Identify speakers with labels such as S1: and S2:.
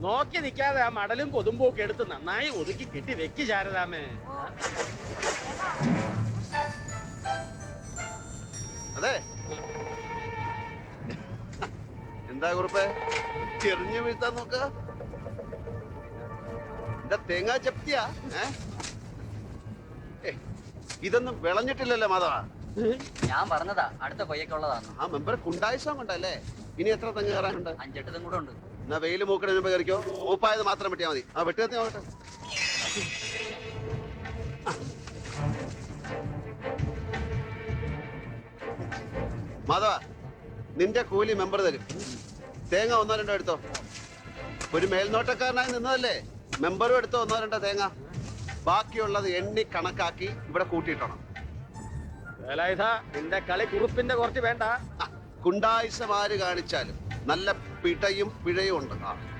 S1: നോക്കി നിൽക്കാതെ ആ മടലും കൊതുമ്പും ഒക്കെ എടുത്ത് നന്നായി ഒതുക്കി കെട്ടി വെക്ക് ശാരദാമേ.
S2: അതെ എന്താ കുറുപ്പേ ചെറിഞ്ഞു വീഴ്ത്താൻ നോക്ക? എന്താ തേങ്ങാ ചപ്തിയാ? ഇതൊന്നും വിളഞ്ഞിട്ടില്ലല്ലോ മാധവ.
S3: ഞാൻ പറഞ്ഞതാ അടുത്ത കൊയ്യൊക്കെയുള്ളതാണ്.
S2: ആ മെമ്പർ കുണ്ടായിസം കൊണ്ടല്ലേ. ഇനി എത്ര തെങ്ങ് കയറാനുണ്ട്?
S3: 5-8 തെങ്ങ് കൂടെ ഉണ്ട്.
S2: എന്നാ വെയിൽ മൂക്കണ മുമ്പ് കയറിക്കോ. മൂപ്പായത് മാത്രം വെട്ടിയാൽ മതി. ആ വെട്ടി നോക്കട്ടെ. മാധവ നിന്റെ കൂലി മെമ്പർ തരും. തേങ്ങ 1-2 എടുത്തോ. ഒരു മേൽനോട്ടക്കാരനായി നിന്നതല്ലേ, മെമ്പറും എടുത്തോ 1-2 തേങ്ങ. ബാക്കിയുള്ളത് എണ്ണി കണക്കാക്കി ഇവിടെ കൂട്ടിയിട്ടണം.
S1: നിന്റെ കളി കുറുപ്പിന്റെ കുറച്ച് വേണ്ട.
S2: കുണ്ടായിസമാര് കാണിച്ചാലും നല്ല പിടയും പിഴയും ഉണ്ട്.